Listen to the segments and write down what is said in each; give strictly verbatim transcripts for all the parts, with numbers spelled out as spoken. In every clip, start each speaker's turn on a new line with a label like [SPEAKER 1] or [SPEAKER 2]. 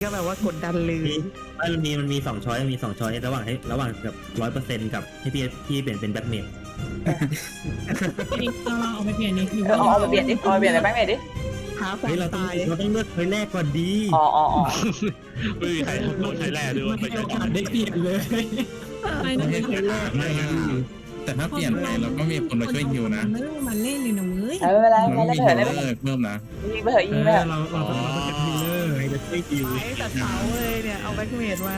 [SPEAKER 1] ก็แบบว่ากดดันเลย
[SPEAKER 2] มันมีมันมีสองช้อยมีสองช้อยระหว่างให้ระหว่างกับร้อยเปอร์เซ็นต์กับให้พี่พี่เปลี่ยนเป็นแบ็คเมด
[SPEAKER 3] นี่เอาเราเอาไปเปลี่ยนนี่อยู่
[SPEAKER 4] เออเอาไปเปลี่ยนดิเอาไปเปลี่ยนอะไรแบงค์เมดดิ
[SPEAKER 1] หาควา
[SPEAKER 2] เฮ้ย
[SPEAKER 1] ม
[SPEAKER 2] เราต้อง
[SPEAKER 1] ตาย
[SPEAKER 2] เราต้องเลือกช้อยแรกก่อนดี
[SPEAKER 4] อ๋ออ๋ออ๋อ
[SPEAKER 5] ไม่มีใครโดนใช้แร่ด้วย
[SPEAKER 3] ไม่
[SPEAKER 5] ไม่
[SPEAKER 3] ให้
[SPEAKER 5] ใช่
[SPEAKER 3] โอกาสได้เปลี่ยนเลยไอ้นั่นเป็น
[SPEAKER 2] ช้อยแรกไม่
[SPEAKER 6] แต่ถ้าเปลี่ยนไปเราก็มีคนมาช่วยฮิวนะ
[SPEAKER 3] ไม่ต้องมาเล่นเลยนะเว้ย
[SPEAKER 4] เออไม่เป็นไร
[SPEAKER 6] มัน
[SPEAKER 4] ไม่
[SPEAKER 6] ไม่
[SPEAKER 4] เล่น
[SPEAKER 6] มี
[SPEAKER 4] ไปเถ
[SPEAKER 6] ฮิ
[SPEAKER 4] อะ
[SPEAKER 6] ว
[SPEAKER 4] เล่นไปเถอะ
[SPEAKER 6] เลอร์เพิ่มนะ
[SPEAKER 4] ยิงไปเถอะยิงไปเถอะ
[SPEAKER 3] เราเราต้องเราต้องเป็นฮีเลอร์
[SPEAKER 2] ใครจะช่วยคิว
[SPEAKER 1] ไอ้ตัดเสาเลยเนี่ยเอาแบ็คเมดมา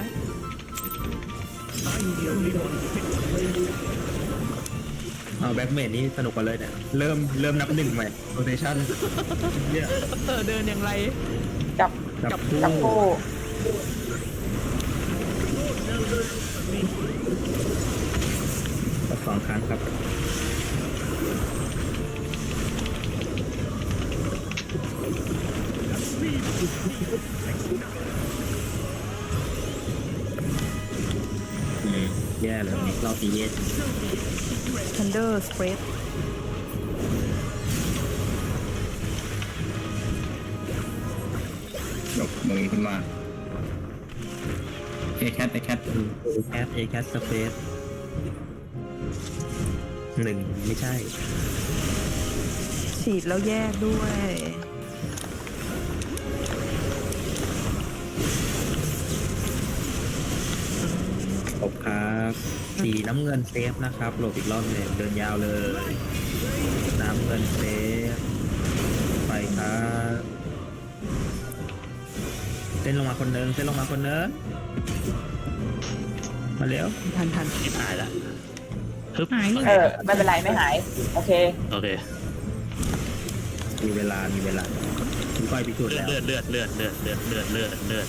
[SPEAKER 2] เอาแบ็คเมดนี่สนุกกว่าเลยเนี่ยเริ่มเริ่มนับหนึ่งใหม่โรเทชั่นเนี่ย
[SPEAKER 1] เออเดินอย่างไร
[SPEAKER 4] จับ
[SPEAKER 2] จับคู่
[SPEAKER 4] จับคู่
[SPEAKER 2] กดสองครั้งครับอืมแย่เลยเราตีเย็น
[SPEAKER 1] ทันเดอร์สเปรด
[SPEAKER 6] ยกมือขึ้นมาเอแคทเอแคท
[SPEAKER 2] แคสเอแคสสเปซหนึ่งไม่ใช่
[SPEAKER 1] ฉีดแล้วแยกด้วย
[SPEAKER 2] จบครับสีน้ำเงินเซฟนะครับโหลดอีกรอบหนึ่งเดินยาวเลย น้ำเงินเซฟไปครับเส้นลงมาคนนึงเส้นลงมาคนนึงมาเร็ว
[SPEAKER 1] ทันทัน
[SPEAKER 5] ที่หายละฮึบ
[SPEAKER 3] หาย
[SPEAKER 4] เออไม่เป็นไรไม่หายโอเค
[SPEAKER 5] โอเค
[SPEAKER 2] มีเวลามีเวลาคุณก้อยพิสูจน์
[SPEAKER 5] เลือ
[SPEAKER 2] แล้
[SPEAKER 5] ด
[SPEAKER 2] ว
[SPEAKER 5] เลือดเลือดเลือดเลือดเลือดเลือดเลือดเลือด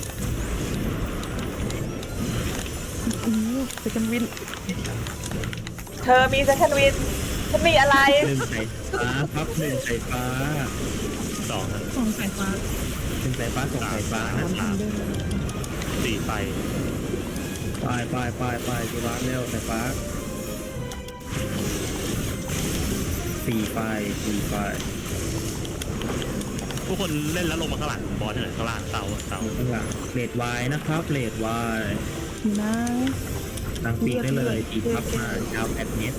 [SPEAKER 1] อู้สกันวิน
[SPEAKER 4] เธอมีเซคันด์วินฉันมีอะไร
[SPEAKER 2] หนึ่งสายฟ้าครับหนึ่งสายฟ้า
[SPEAKER 5] สองนะ
[SPEAKER 3] สองสายฟ้า
[SPEAKER 2] หนึ่งสายฟ้าสองสายฟ้านะ
[SPEAKER 5] สามสี่ไฟ
[SPEAKER 2] ไปไปไปไปจีร้านเร็วสายฟ้าสี่ไฟสี่ไฟ
[SPEAKER 5] ทุกคนเล่นแล้วลงมาข้างหลังบอลที่ไหนข้างล่างเตาเตา
[SPEAKER 2] ข้างหลังเลดวายนะครับเลดวาย
[SPEAKER 1] นะ
[SPEAKER 2] ตั้งปีกได้เลยปีกพับมายาวแปดเมตร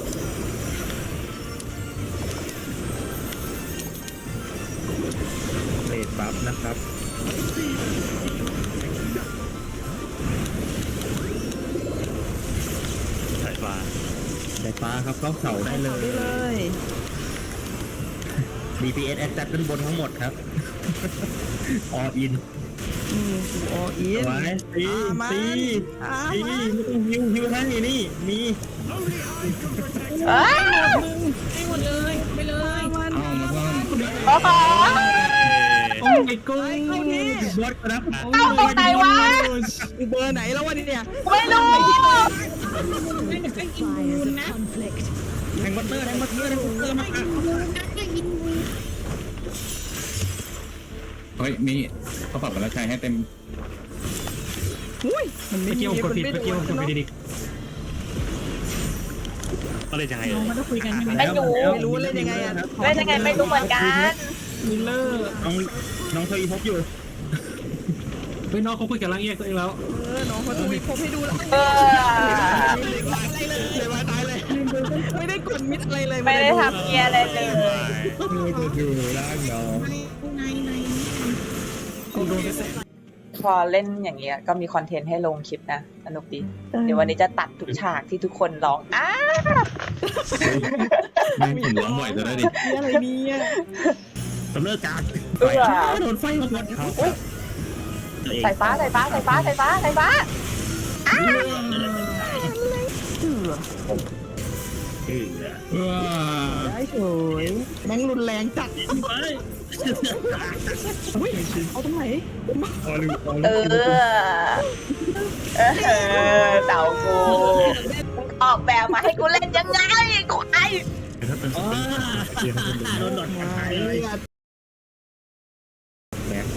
[SPEAKER 2] เลดบัฟนะครับ
[SPEAKER 5] สายฟ้า
[SPEAKER 2] สายฟ้าครับเข้าเสาได้เล
[SPEAKER 1] ได้
[SPEAKER 2] ย
[SPEAKER 1] เลย
[SPEAKER 2] ดี พี เอส แอดจัดด้านบนทั้งหมดครับ ออิน
[SPEAKER 1] นี่คือออิน
[SPEAKER 2] ไว้ตี
[SPEAKER 1] อ่ามา
[SPEAKER 2] ตี
[SPEAKER 1] อ่า
[SPEAKER 2] ตี
[SPEAKER 1] มา
[SPEAKER 2] ไม่ต้องฮิวฮิวให้นี่ มี
[SPEAKER 4] เอ้ย
[SPEAKER 3] ให้หมดเลยไปเลย
[SPEAKER 1] มัน
[SPEAKER 6] เอามาเพิ่ม
[SPEAKER 4] โอ้โห
[SPEAKER 3] โอ้ยกู
[SPEAKER 1] เข้าที่
[SPEAKER 2] บอสครับ
[SPEAKER 4] เอาตรงไหนวะ
[SPEAKER 1] กูเบอร์ไหนแล้ววะเนี่ย
[SPEAKER 4] ไม่รู้
[SPEAKER 3] ไม่ได้เป็นอินบูนนะ
[SPEAKER 2] แทงบัตเตอร์แทงบัตเตอร์แทงบัตเตอร์มาอ่ะ
[SPEAKER 3] ได้อินบูน
[SPEAKER 6] เฮ้ยมีเขาปรับมาแล้วใช้ให้เต็ม
[SPEAKER 1] อุ้ยมันไม่
[SPEAKER 3] เมื่อกี้ผมกดผิด
[SPEAKER 1] น
[SPEAKER 3] เมื่อกี้ผมกดผิดดิ
[SPEAKER 5] ก็เลยยังไง
[SPEAKER 3] น้องมันต้องคุยกันใช่ไหม
[SPEAKER 4] ไม่รู้
[SPEAKER 1] ไม่รู้เล่นยังไงอ่ะ
[SPEAKER 4] เล่นยังไงไม่รู้เหมือนกัน
[SPEAKER 3] ฮีเลอร์
[SPEAKER 2] น้องน้องเคยพบอยู่
[SPEAKER 3] เฮ้ยน้องเขาคุยกับร่างแยกตัวเองแล้ว
[SPEAKER 1] เออน้องเขาทวีตผมให้ดูแล้ว
[SPEAKER 4] เออ
[SPEAKER 1] อะไรเลยเลยมาตายเลยไม่ได้กดมิดอะไรเลย
[SPEAKER 4] ไม่ได้ทำเกียร์อะไรเลย
[SPEAKER 2] มือจะดูร่างน้อง
[SPEAKER 3] ในใน
[SPEAKER 1] กูโดนเสร็จ
[SPEAKER 4] พอเล่นอย่างเงี้ยก็มีคอนเทนต์ให้ลงคลิปนะสนุกดี เดี๋ยววันนี้จะตัดทุกฉากที่ทุกคนร้องอ้า
[SPEAKER 6] ไม่เห็นร้องบ่อยจะได้ดิ
[SPEAKER 1] อะไรเนี่ย
[SPEAKER 2] สำเร็จการ
[SPEAKER 4] เอื้อ
[SPEAKER 2] โดนไฟมาหมดครับ
[SPEAKER 4] สายฟ้าสายฟ้าสายฟ้าสายฟ้าสายฟ้า
[SPEAKER 1] เสือ
[SPEAKER 2] เออ
[SPEAKER 6] ว้า
[SPEAKER 1] ได้เฉยแม่งรุนแรงจัด
[SPEAKER 2] ไป
[SPEAKER 1] อุ้ยเอาตรงไหน
[SPEAKER 2] พอลืมพอ
[SPEAKER 4] เอ
[SPEAKER 2] ลืม
[SPEAKER 4] อเออเต่ากูมึงออกแบบมาให้กูเล่นยังไงควาย
[SPEAKER 2] อ๋อโดนดอดหายเลยแม็ก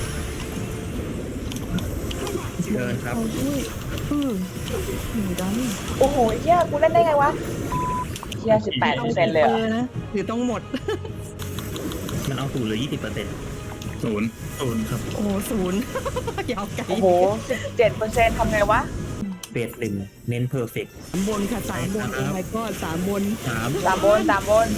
[SPEAKER 2] เดินครับ
[SPEAKER 1] อุ้ยอือหนูดัน
[SPEAKER 4] โอ้โหเฮียกูเล่นได้ไงวะเฮียสิบแปดเปอร์เซ็นต์เลยเหรอ
[SPEAKER 1] นะหรือต้องหมด
[SPEAKER 2] มันเอาสูตรเหลือยี่สิบเปอร์เซ็นต์
[SPEAKER 6] ศูนย์
[SPEAKER 5] ศูนย์ครับ
[SPEAKER 1] โอ้ศูนย์ ยาวไกล
[SPEAKER 4] โอ้โหสิบเจ็ดเปอร์เซ็นต์ทำไงวะ
[SPEAKER 2] เบสหนึ่งเน้นเพอร์เฟกต์
[SPEAKER 1] สามบนค่ะสามบนโอ้ my god สามบน
[SPEAKER 2] สาม
[SPEAKER 4] สามบนสามบน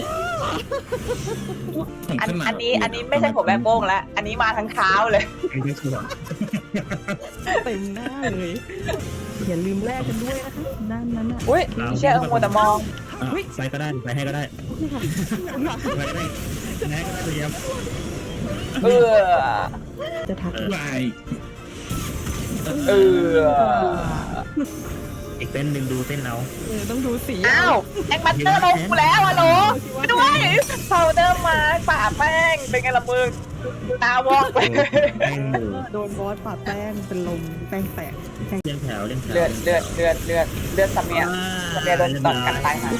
[SPEAKER 6] ผม
[SPEAKER 4] อัน
[SPEAKER 6] ขึ้นมา
[SPEAKER 4] อันนี้อันนี้ไม่ใช่ผมแบกโป้งแล้ว อันนี้มาทั้งเท้าเลย
[SPEAKER 2] ไม่ชัวร์
[SPEAKER 1] เต็มหน้าเลย อย่าลืมแลกกันด้วยนะคะด้านนั้นอ่ะ
[SPEAKER 4] อุ้ยเชื่อเออมัวแต่มอง
[SPEAKER 2] อ่ะไปก็ได้ไปให้ก็ได้ไปก็ได้แม่ก็ได้เตรียม
[SPEAKER 4] เออ
[SPEAKER 1] จะทัก
[SPEAKER 6] วาย
[SPEAKER 4] เออ
[SPEAKER 2] อีกเส้นหนึ่งดูเส้นเอา
[SPEAKER 1] เออต้องดูสี
[SPEAKER 4] อ้าวแองบัตเตอร์ลงกูแล้วอะโหลไปด้วยเผาเดิมมาป่าแป้งเป็นไงล่ะมึงตาวอกไป
[SPEAKER 2] แป้งหมู
[SPEAKER 1] โดนบอสปาดแป้งเป็นลมแป้งแตก
[SPEAKER 2] เลี้ยงแถวเลี้ยงแถว
[SPEAKER 4] เลือดเลือดเลือดเลือดเลือดสามียสามียโดนตอดกันตายค่ะ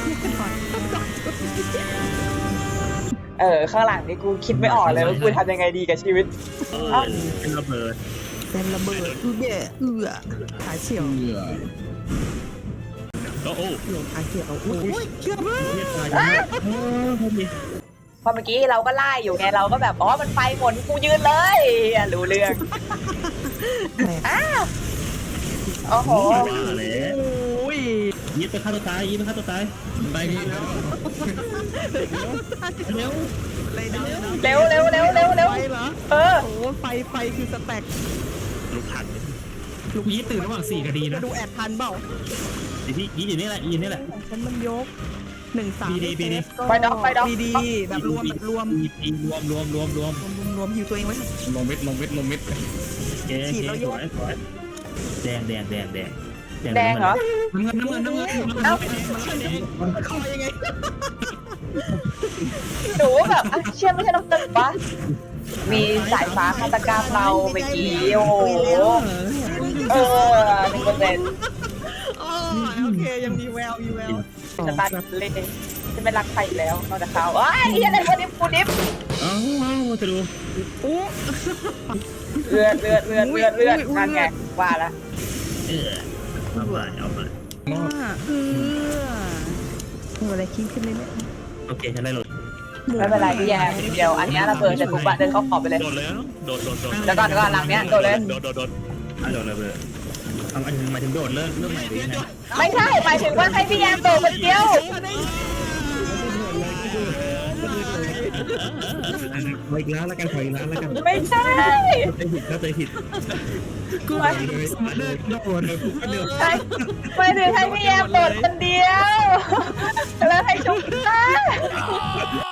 [SPEAKER 4] เออข้างหลังนี่กูคิดไม่ออกเลยว่ากูทำยังไงดีกับชีวิต
[SPEAKER 2] เอ้าเป็นระเบิด
[SPEAKER 1] แซมระเบิดคือเบะเอือขาเฉียว
[SPEAKER 6] เบื่อ
[SPEAKER 5] โอ้โห
[SPEAKER 1] หลงขาเฉียวอุ้ยเกือบ
[SPEAKER 2] เรียกตายโอ้พอดี
[SPEAKER 4] พอเมื่อกี้เราก็ไล่อยู่ไงเราก็แบบอ๋อมันไฟหมดกูยืนเลยอ่ะรู้เรื่องอ้าวโอ้โห
[SPEAKER 2] มาเลย
[SPEAKER 1] อุ้ย
[SPEAKER 2] ยิบไปฆ่าตัวตายยิบไปฆ่าตัวตาย
[SPEAKER 6] ได้พี่แล้ว
[SPEAKER 2] เร็ว
[SPEAKER 1] เลยนะ
[SPEAKER 4] เร็วเร็วเร็วเร็วเร็ว
[SPEAKER 1] ไฟเหรอ
[SPEAKER 4] เออ
[SPEAKER 1] โอ้ไฟไฟคือสแต็ก
[SPEAKER 5] ลูกทัน
[SPEAKER 3] ลูกนี้ตื่นระหว่างสี่คดี
[SPEAKER 1] มา
[SPEAKER 3] นะ
[SPEAKER 1] ดูแอดทันเปล่า
[SPEAKER 2] พี่ยิบอยู่นี่แหละยิบนี่แหละ
[SPEAKER 1] ของฉันมันยกหนึ่งสาม
[SPEAKER 2] ดีดีดี
[SPEAKER 4] ไปด็อกไปด็อก
[SPEAKER 1] ดีดีแบบรวมแบบรวม
[SPEAKER 2] รวมรวมรวมรวม
[SPEAKER 1] รวมรวมหิวตัวเองไว้
[SPEAKER 6] ลงเวทลงเวทลงเวท
[SPEAKER 2] เจ๊เจ๊สวยสวยแดงแดงแดงแดง
[SPEAKER 4] แดงเหรอ
[SPEAKER 3] น้ำเงินน้ำเงินน้ำเงิน
[SPEAKER 4] เอ้า
[SPEAKER 1] คอยังไง
[SPEAKER 4] หนูแบบอ่ะเชื่อไม่ใช่น้องตึกปะมีสายฟ้าฆาตกรรมเราเมื่อกี้โอ้โหเออหนึ่งเปอร์เซ็นต์
[SPEAKER 1] อ๋อโอเคยังมีแววมีแวว
[SPEAKER 4] จะตัดเล่นจะไม่รักใครอีกแล้วนอกจากเขาเอ้ยเฮียอะไรกูดิฟกูดิฟ
[SPEAKER 2] เอ้าเอ้าจะดู
[SPEAKER 1] อู้
[SPEAKER 4] เลือดเลือดเลือดเลือดเลือดนั่นไงว่าละ
[SPEAKER 2] เออเอาไปเอาไป
[SPEAKER 1] ว่าเออเอออะไรคิ้งขึ้นเลยเนี่ย
[SPEAKER 2] โอเคฉันได้เลย
[SPEAKER 4] ไม่เป็นไรพี่แยมเดี๋ยวอันนี้ระเบิดจะทุบอะเดินเข้าขอบไปเลย
[SPEAKER 5] โดดเลยนะโดดโดดโดด
[SPEAKER 4] เดี๋ยวก่อนเดี๋ยวก่อนหลังเนี้ยโดดเลย
[SPEAKER 5] โดดโดดโดด
[SPEAKER 2] อ่ะโดดเลยเบอร์เอาอันหมายถึงโดดเริ่มเริ่มใหม่หรือยังไง
[SPEAKER 4] ไม่ใช่หมายถึงว่าให้พี่แยมโดดคนเดียว
[SPEAKER 2] ขออีกแล้วแล้วกันขออีกแล้วแล้วกัน
[SPEAKER 4] ไม่ใช่
[SPEAKER 2] เข้าใจผิดเข้าใจผิด
[SPEAKER 3] กูเลยเลยโดน
[SPEAKER 4] ใช่หมายถึงให้พี่แยมโดดคนเดียวแล้วให้ชุบได้